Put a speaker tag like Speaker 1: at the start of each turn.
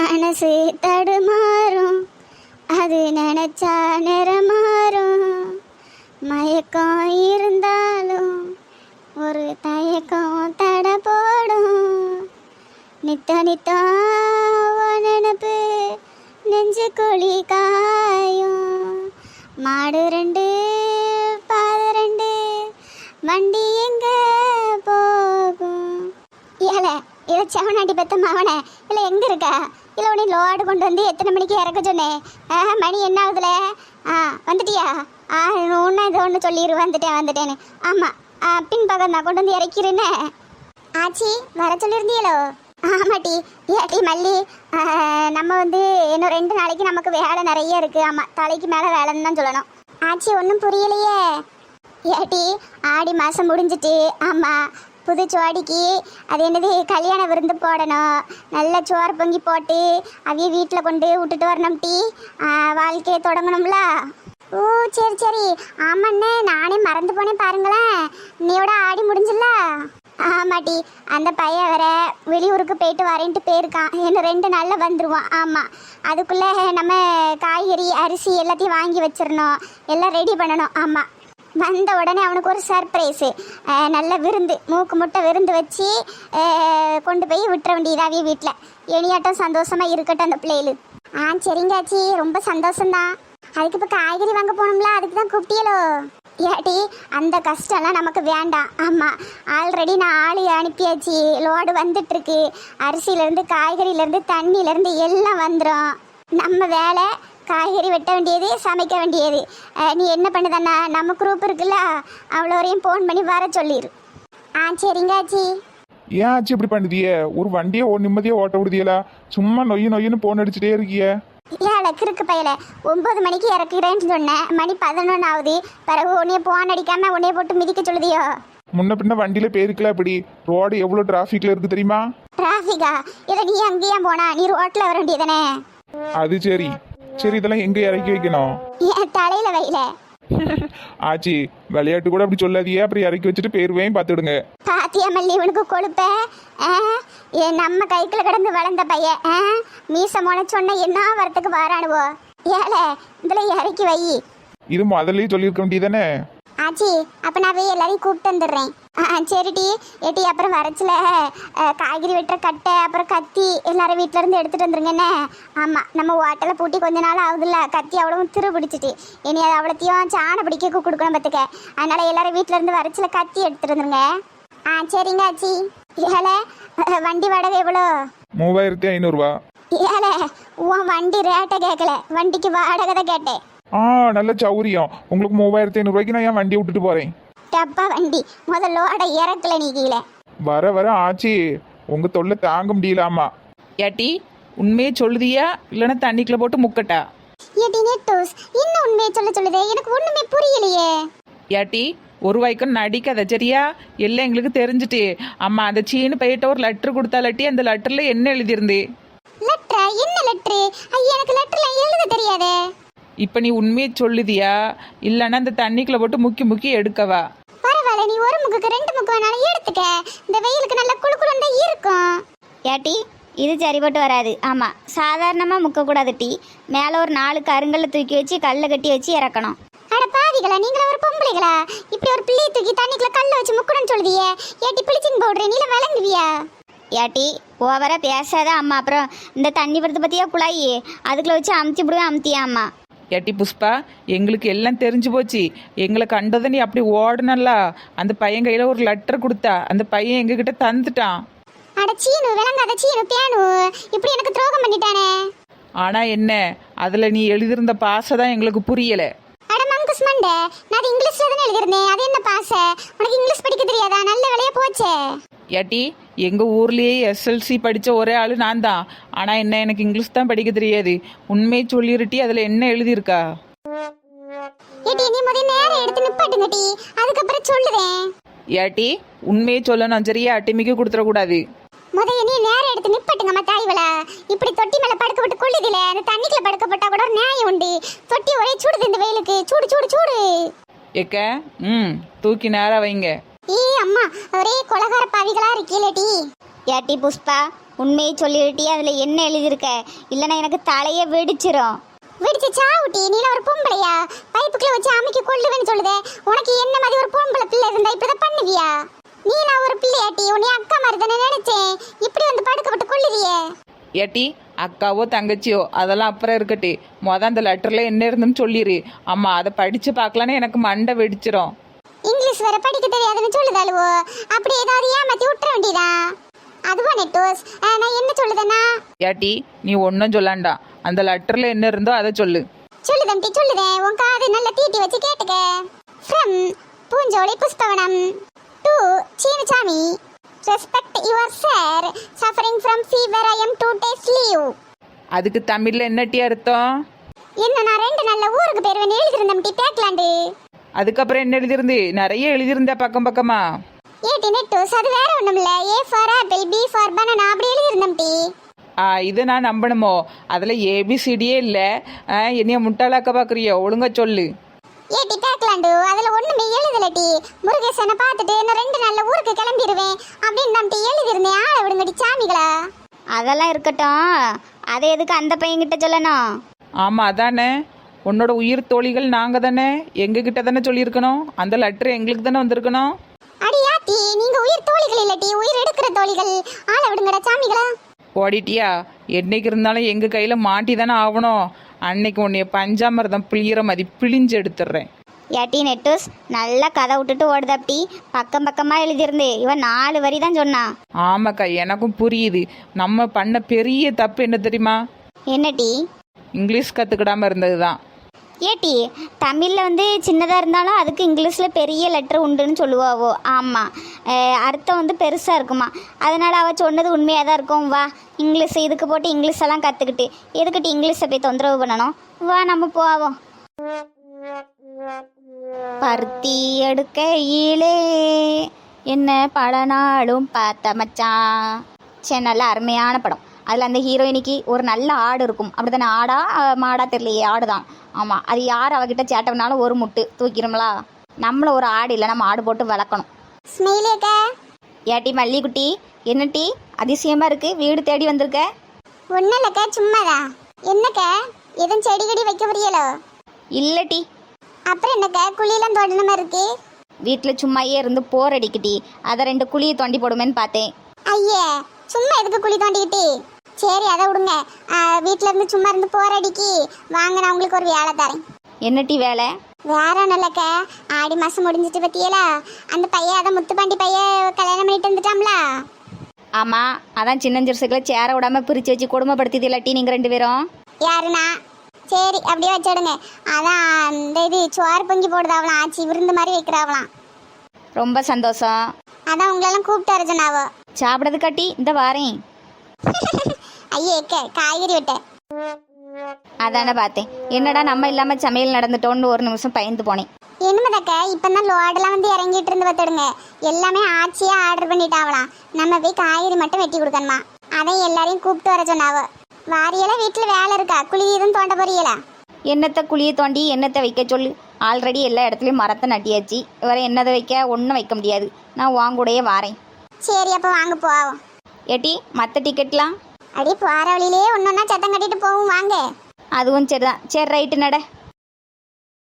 Speaker 1: மனசு தடுமாறும், அது நினைச்சா நிறமாறும். மயக்கம் இருந்தாலும் ஒரு தயக்கம் தட போடும். நித்த நித்தம் நினப்பு நெஞ்சு குழி காயும். மாடு ரெண்டு பாத ரெண்டு வண்டி எங்க போகும். ஏல இதை செவனாட்டி பெத்த மவனை இல்லை எங்கே இருக்கா? இல்லை உடனே லோடு கொண்டு வந்து எத்தனை மணிக்கு இறக்க சொன்னேன்? மணி என்ன ஆகுதுல? வந்துட்டியா? ஒன்று இது ஒன்று சொல்லிடு வந்துட்டேன்னு. ஆமாம், பின்பக்கம் நான் கொண்டு வந்து இறக்கிறேன்னு. ஆச்சி வர சொல்லியிருந்தியலோ? ஆமாட்டி. ஏட்டி மல்லி, நம்ம வந்து இன்னும் 2 நாளைக்கு நமக்கு வேலை நிறைய இருக்குது. ஆமாம், தலைக்கு மேலே வேலைன்னு தான் சொல்லணும். ஆச்சி ஒன்றும் புரியலையே. ஏட்டி ஆடி மாதம் முடிஞ்சிட்டு. ஆமாம், புது சோடிக்கு அது என்னது கல்யாண விருந்து போடணும். நல்ல சோறு பொங்கி போட்டு அவைய வீட்டில் கொண்டு விட்டுட்டு வரணும். டீ வாழ்க்கையை தொடங்கணும்ல. ஓ சரி சரி. ஆமாண்ணே, நானே மறந்து போனேன் பாருங்களேன். நீயோட ஆடி முடிஞ்சில்ல? ஆமாட்டி, அந்த பையன் வேற வெளியூருக்கு போயிட்டு வரேன்ட்டு போயிருக்கான். இன்னும் 2 நாளில் வந்துடுவான். ஆமாம், அதுக்குள்ளே நம்ம காய்கறி அரிசி எல்லாத்தையும் வாங்கி வச்சிடணும், எல்லாம் ரெடி பண்ணணும். ஆமாம், வந்த உடனே அவனுக்கு ஒரு சர்ப்ரைஸு, நல்ல விருந்து, மூக்கு முட்டை விருந்து வச்சு கொண்டு போய் விட்டுற வேண்டியதாவே வீட்டில். இனியாட்டம் சந்தோஷமாக இருக்கட்டும் அந்த பிள்ளைகளு. சரிங்காச்சி, ரொம்ப சந்தோஷம்தான். அதுக்கு இப்போ காய்கறி வாங்க போகணும்ல, அதுக்கு தான் கூப்பிட்டியலோ? ஏட்டி அந்த கஷ்டம்லாம் நமக்கு வேண்டாம். ஆமாம், ஆல்ரெடி நான் ஆளு அனுப்பியாச்சு. லோடு வந்துட்டுருக்கு. அரிசியிலேருந்து காய்கறியிலேருந்து தண்ணியிலேருந்து எல்லாம் வந்துடும். நம்ம வேலை காய்கறி வெட்ட வேண்டியது, சமைக்க வேண்டியது. நீ என்ன பண்ணுதாண்ணா, நம்ம குரூப் இருக்குல்ல, அவ்வளோரையும் ஃபோன் பண்ணி வர சொல்லிடு. சரிங்க ஆச்சி.
Speaker 2: ஏன் ஆச்சு இப்படி பண்ணுதிய? ஒரு வண்டியை நிம்மதியாக ஓட்ட விடுதியலா? சும்மா நொய்னு போன் அடிச்சுட்டே இருக்கிய.
Speaker 1: ஏழை கிறுக்கு பையல, 9 மணிக்கு இறக்குறேன்னு சொன்னேன், மணி 11 ஆகுது. பிறகு உன்னைய போன் அடிக்காம உன்னைய போட்டு மிதிக்க சொல்லுதியோ?
Speaker 2: முன்ன பின்ன வண்டியில போயிருக்கல. அப்படி ரோடு எவ்வளோ டிராஃபிக்ல இருக்கு தெரியுமா?
Speaker 1: டிராஃபிக்கா? இதை நீ அங்கேயா போனா? நீ ரோட்ல வர வேண்டியதானே?
Speaker 2: அது சரி சரி, இதெல்லாம் எங்க இறக்கி வைக்கணும்?
Speaker 1: என் தலையில வைல.
Speaker 2: ஆச்சி, விளையாட்டு கூட அப்படி சொல்லாதியே, அப்புறம் இறக்கி வச்சுட்டு பேருவையும் பார்த்துடுங்க.
Speaker 1: பாத்தியா மல்லி, இவனுக்கு கொழுப்ப. நம்ம கைக்குள்ள கிடந்து வளர்ந்த பையன் மீச மொன சொன்ன என்ன வரத்துக்கு வாரானுவோ? ஏழை இதுல இறக்கி வை.
Speaker 2: இது முதல்லயே சொல்லியிருக்க வேண்டியதானே?
Speaker 1: ஆச்சி, அப்போ நான் போய் எல்லாரையும் கூப்பிட்டு வந்துடுறேன். சரிடி. ஏட்டி அப்புறம் வரச்சில் காய்கறி வெட்டுற கட்டை அப்புறம் கத்தி எல்லாரும் வீட்டில இருந்து எடுத்துகிட்டு வந்துருங்கண்ணே. ஆமாம், நம்ம ஹோட்டலை பூட்டி கொஞ்ச நாள் ஆகுதுல்ல, கத்தி அவ்வளவும் திரு பிடிச்சிட்டு இனி அது அவ்வளோத்தையும் சாணை பிடிக்க கொடுக்கணும் பார்த்துக்க. அதனால் எல்லாரும் வீட்டில இருந்து வரச்சில் கத்தி எடுத்துகிட்டு வந்துருங்க. சரிங்க ஆச்சி. ஏழை வண்டி வாடகை எவ்வளோ?
Speaker 2: 3500 ரூபா.
Speaker 1: ஏழை உன் வண்டி ரேட்டை கேட்கல, வண்டிக்கு வாடகை தான் கேட்டேன்.
Speaker 2: நல்ல சௌரியம். உங்களுக்கு 3500 ரூபாய்க்கு நான் என் வண்டியை விட்டுட்டு போறேன்.
Speaker 1: டப்பா வண்டி முதல்லோட இறக்கல நீ கீழே.
Speaker 2: வர ஆச்சி, உங்க தொல்லை தாங்க முடியலாமா?
Speaker 3: ஏட்டி உண்மையே சொல்லுதியா இல்லைன்னா தண்ணிக்குள்ள போட்டு முக்கட்டா?
Speaker 1: ஏட்டி நெட்டூஸ், இன்னும் உண்மையை சொல்லுதே, எனக்கு ஒண்ணுமே புரியலையே.
Speaker 3: ஏட்டி ஒரு வாய்க்கும் நடிக்காத சரியா? எல்லாம் எங்களுக்கு தெரிஞ்சுட்டு. அம்மா அந்த சீனு பையிட்ட ஒரு லெட்டர் கொடுத்தாலட்டி, அந்த லெட்டர்ல என்ன எழுதியிருந்து?
Speaker 1: லெட்டரா? என்ன லெட்டரு? ஐயா, எனக்கு லெட்டர்ல எழுத தெரியாதே.
Speaker 3: இப்போ நீ உண்மையை சொல்லுதியா இல்லைன்னா அந்த தண்ணிக்குள்ள போட்டு முக்கி எடுக்கவா?
Speaker 1: பரவாயில்ல, நீ ஒரு முக்குக்கு 2 முக்கு வேணாலும் எடுத்துக்க. இந்த வெயிலுக்கு நல்ல குளுக்குளுண்டா இருக்கும். ஏட்டி இது சரிபட்டு வராது. ஆமாம், சாதாரணமாக முக்கக்கூடாது டீ. மேலே ஒரு 4 கருங்கல்ல தூக்கி வச்சு கல்லை கட்டி வச்சு இறக்கணும். அட பாவிகளா, நீங்களா ஒரு பொம்பளைகளா? இப்படி ஒரு பிள்ளையை தூக்கி தண்ணிக்குள்ள கல்லை வச்சு முக்கணும்னு சொல்லுதியே. ஏட்டி பிளிச்சிங் பவுடர் நீல விளங்குவியா? ஏட்டி ஓவரா பேசாத அம்மா. அப்புறம் இந்த தண்ணி படுத்து பற்றியா குழாயி, அதுக்குள்ள வச்சு அமுத்தி விடுவேன். அமுத்தியா அம்மா?
Speaker 3: ஏட்டி புஷ்பா, எங்களுக்கு எல்லாம் தெரிஞ்சு போச்சு. எங்களை கண்டதை நீ அப்படி ஓடுனல்ல, அந்த பையன் கையில் ஒரு லெட்டர் கொடுத்தா, அந்த பையன் எங்ககிட்ட தந்துட்டான்.
Speaker 1: அட சீனு, விளங்காத சீனு பேனு, இப்படி எனக்கு துரோகம் பண்ணிட்டானே.
Speaker 3: ஆனால் என்ன, அதில் நீ எழுதியிருந்த பாசை தான் எங்களுக்கு புரியலை.
Speaker 1: அட மங்கஸ் மண்டை, நான் அது இங்கிலீஷ்ல தானே எழுதிருந்தேன். அது என்ன பாசை? உனக்கு இங்கிலீஷ் படிக்க தெரியாதா? நல்ல வேலையா போச்சே.
Speaker 3: ஏட்டி எங்கள் ஊர்லேயே எஸ்எல்சி படித்த ஒரே ஆள் நான் தான். ஆனால் என்ன, எனக்கு இங்கிலீஷ் தான் படிக்க தெரியாது. உண்மையை சொல்லிருட்டி, அதில் என்ன எழுதியிருக்கா?
Speaker 1: ஏட்டி நீ முதல்ல நேரம் எடுத்து நிப்பாட்டுங்க டி, அதுக்கப்புறம் சொல்லுவேன்.
Speaker 3: ஏட்டி உண்மையை சொல்லணும் சரியா? டிமிக்கு கொடுத்துடக்கூடாது.
Speaker 1: முதல்ல நீ நேரம் எடுத்து நிப்பாட்டுங்கம்மா தாய்வள. இப்படி தொட்டி மேலே படுக்க விட்டு கொள்ளுதில்ல, அந்த தண்ணிக்குள்ள படுக்க போட்டா கூட ஒரு நியாயம் உண்டு. தொட்டி ஒரே சூடுது இந்த வெயிலுக்கு. சூடு சூடு சூடு.
Speaker 3: ஏக்க தூக்கி நேரம் வைங்க.
Speaker 1: அம்மா ஒரே கொலகார பாவிகளா இருக்கீலடி. ஏட்டி புஷ்பா, உண்மையை சொல்லிவிட்டி அதில் என்ன எழுதியிருக்க, இல்லைன்னா எனக்கு தலையே வெடிச்சிரும். வெடிச்சு சாவுட்டி, நீல ஒரு பொம்பளையா? பைப்புக்குள்ள வச்சு அமைக்க கொள்ளுவேன்னு சொல்லுதே. உனக்கு என்ன மாதிரி ஒரு பொம்பளை பிள்ளை இருந்தா இப்படிதான் பண்ணுவியா? நீலா ஒரு பிள்ளையாட்டி, உன்னை அக்கா மாதிரி தானே நினைச்சேன். இப்படி வந்து படுக்கப்பட்டு கொள்ளுதியே.
Speaker 3: ஏட்டி அக்காவோ தங்கச்சியோ அதெல்லாம் அப்புறம் இருக்கட்டி, அந்த லெட்டரில் என்ன இருந்துன்னு சொல்லிடு. அம்மா அதை படித்து பார்க்கலான்னு எனக்கு மண்டை வெடிச்சிரும்.
Speaker 1: இங்கிலீஷ் வேற படிக்க தெரியாதுன்னு சொல்லுதாளுவோ, அப்படி ஏதாவது ஏமாத்தி விட்டுற வேண்டியதா? அதுவா நெட்டோஸ், நான் என்ன சொல்லுதேன்னா?
Speaker 3: ஏட்டி நீ ஒன்றும் சொல்லாண்டா, அந்த லெட்டரில் என்ன இருந்தோ அதை சொல்லு.
Speaker 1: சொல்லுதம் டி சொல்லுதேன், உன் காது நல்லா தீட்டி வச்சு கேட்டுக்க. From Poonjolai Pushpavanam to Seenusamy. Respect your sir. Suffering from fever. I am 2 days leave.
Speaker 3: அதுக்கு தமிழில் என்னட்டி அர்த்தம்?
Speaker 1: என்ன நான் 2 நாள்ல ஊருக்கு போயிருவேன் எழுதிருந்தேன் டி பேக்லாண்டு.
Speaker 3: அதுக்கப்புறம் என்ன எழுதிருந்து? நிறைய எழுதியிருந்தா பக்கம் பக்கமா.
Speaker 1: ஏட்டி நெட்டோஸ், அது வேற ஒண்ணும் இல்ல. A for apple, B for banana அப்படி எழுதிருந்தேன் டி.
Speaker 3: இதை நான் நம்பணுமோ? அதில் ஏபிசிடியே இல்லை. என்னைய முட்டாளாக்க பார்க்குறியோ? ஒழுங்கா சொல்லு.
Speaker 1: ஏட்டி பேக்லாண்டு, அதுல ஒண்ணுமே எழுதலடி. முருகேசனை பார்த்துட்டு நான் 2 நாள்ல ஊருக்கு கிளம்பிடுவேன் அப்படின்னு நான் எழுதிருந்தேன். ஆள விடுங்கடி சாமிகளா. அதெல்லாம் இருக்கட்டும், அதை எதுக்கு அந்த பையன்கிட்ட சொல்லணும்?
Speaker 3: ஆமாம் அதானே, உன்னோட உயிர் தோழிகள் நாங்கள் தானே, எங்ககிட்ட தானே சொல்லியிருக்கணும். அந்த லெட்டர் எங்களுக்கு தானே வந்திருக்கணும்.
Speaker 1: அடியாத்தி, நீங்க உயிர் தோழிகள் இல்லட்டி, உயிர் எடுக்கிற தோழிகள். ஆள விடுங்கடா சாமிகளா.
Speaker 3: ஓடிட்டியா? என்னைக்கு இருந்தாலும் எங்கள் கையில் மாட்டி தானே ஆகணும். அன்னைக்கு உன்னைய பஞ்சாமிரதம் பிழிகிற மாதிரி பிழிஞ்சு எடுத்துடுறேன்.
Speaker 1: ஏட்டி நெட்டோஸ், நல்லா கதை விட்டுட்டு ஓடுதாப்டி. பக்கம் பக்கமா எழுதியிருந்து இவன் 4 வரி தான் சொன்னான்.
Speaker 3: ஆமாக்கா, எனக்கும் புரியுது. நம்ம பண்ண பெரிய தப்பு என்ன தெரியுமா?
Speaker 1: என்னடி?
Speaker 3: இங்கிலீஷ் கற்றுக்கிடாமல் இருந்தது தான்.
Speaker 1: ஏட்டி, தமிழில் வந்து சின்னதாக இருந்தாலும் அதுக்கு இங்கிலீஷில் பெரிய லெட்டர் உண்டுன்னு சொல்லுவாவோ. ஆமாம், அர்த்தம் வந்து பெருசாக இருக்குமா. அதனால் அவள் சொன்னது உண்மையாக தான் இருக்கும். வா, இங்கிலீஷ் இதுக்கு போட்டு இங்கிலீஷ் எல்லாம் கற்றுக்கிட்டு எதுக்கிட்டு இங்கிலீஷை போய் தொந்தரவு பண்ணணும். வா நம்ம போவோம். பருத்தி எடுக்கையிலே என்ன பல நாளும் பார்த்த மச்சான். சரி, நல்ல அருமையான படம். அதில் அந்த ஹீரோயினிக்கு ஒரு நல்ல ஆடு இருக்கும். அப்படி தானே? ஆடா மாடா தெரியலையே, ஆடு தான். ஆமாம், அது யார் அவகிட்ட சேட்டம்னாலும் ஒரு முட்டு தூக்கிடும்லா. நம்மள ஒரு ஆடு இல்லை, நம்ம ஆடு போட்டு வளர்க்கணும். ஸ்மெயிலேக்கா. ஏட்டி மல்லிகுட்டி, என்னட்டி அதிசயமாக இருக்குது, வீடு தேடி வந்திருக்க? ஒன்றும் இல்லைக்கா, சும்மாதான். என்னக்கா, எதுவும் செடி கொடி வைக்க புரியலோ? இல்லட்டி. அப்புறம் என்னக்கா, குழியெல்லாம் தோண்டணுமா இருக்கு? வீட்டில் சும்மாயே இருந்து போர் அடிக்கிட்டி, அதை 2 குழியை தோண்டி போடுமேன்னு பார்த்தேன். ஐயே, சும்மா எதுக்கு குழி தோண்டிக்கிட்டு? சரி, அதை விடுங்க. வீட்டில் இருந்து சும்மா இருந்து போர் அடிக்கி வாங்க, நான் உங்களுக்கு ஒரு வேலை தரேன். என்னட்டி வேலை? வேற ஒன்றும் இல்லைக்க, ஆடி மாதம் முடிஞ்சிட்டு பற்றியலா, அந்த பையன் அதை முத்துப்பாண்டி பையன் கல்யாணம் பண்ணிட்டு வந்துட்டாம்ல. ஆமாம், அதான் சின்னஞ்சிறுசுகளை சேர விடாமல் பிரித்து வச்சு கொடுமைப்படுத்திது இல்லாட்டி நீங்கள் 2 பேரும். யாருண்ணா? சரி, அப்படியே வச்சுடுங்க. அதான் அந்த இது சோறு பொங்கி போடுதாவலாம், ஆச்சு விருந்து மாதிரி வைக்கிறாவலாம். ரொம்ப சந்தோஷம். அதான் உங்களெல்லாம் கூப்பிட்டு வர சொன்னாவோ. சாப்பிடது கட்டி இந்த வாரேன். ஐயேக்க, காய்கறி விட்டேன். அதானே பார்த்தேன். என்னடா நம்ம இல்லாமல் சமையல் நடந்துட்டோன்னு ஒரு நிமிஷம் பயந்து போனேன். என்னமதாக்க, இப்போ தான் லோடெல்லாம் வந்து இறங்கிட்டு இருந்து பார்த்துடுங்க. எல்லாமே ஆச்சியாக ஆர்டர் பண்ணிட்டாவலாம். நம்ம போய் காய்கறி மட்டும் வெட்டி கொடுக்கணுமா. அதையும் எல்லாரையும் கூப்பிட்டு வர சொன்னாவோ. வாரியெல்லாம் வீட்டில் வேலை இருக்கா? குழி எதுவும் தோண்ட போறீங்களா? என்னத்தை குழியை தோண்டி என்னத்தை வைக்க சொல்லு. ஆல்ரெடி எல்லா இடத்துலையும் மரத்தை நட்டியாச்சு. வேற என்னதை வைக்க? ஒன்றும் வைக்க முடியாது. நான் வாங்கூடையே வாரேன். சரி, அப்போ வாங்க போவோம். ஏட்டி, மற்ற டிக்கெட்லாம்? அடி போகிற வழியிலே ஒன்றொன்னா சத்தம் கட்டிட்டு போவோம் வாங்க. அதுவும் சரிதான். சரி, ரைட்டு நட.